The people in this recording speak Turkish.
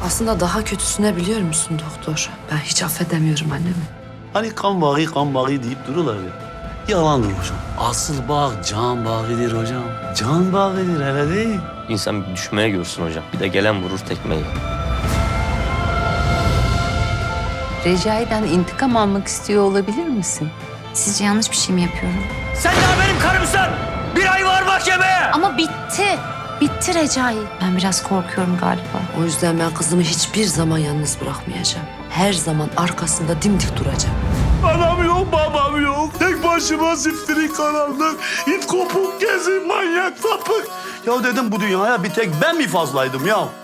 Aslında daha kötüsüne biliyor musun doktor? Ben hiç affedemiyorum annemi. Hani kan bağı deyip dururlar ya. Yalandır hocam. Asıl bağ can bağıdır hocam. Can bağıdır hele değil. İnsan bir düşmeye görsün hocam. Bir de gelen vurur tekmeyi. Recai'den intikam almak istiyor olabilir misin? Sizce yanlış bir şey mi yapıyorum? Sen daha benim karımsın. Bir ay var mahkemeye. Ama bitti. Bitti Recai. Ben biraz korkuyorum galiba. O yüzden ben kızımı hiçbir zaman yalnız bırakmayacağım. Her zaman arkasında dimdik duracağım. Anam yok, babam yok. Tek başıma ziftiri karanlık. İt kopuk gezi manyak sapık. Ya dedim bu dünyaya bir tek ben mi fazlaydım ya?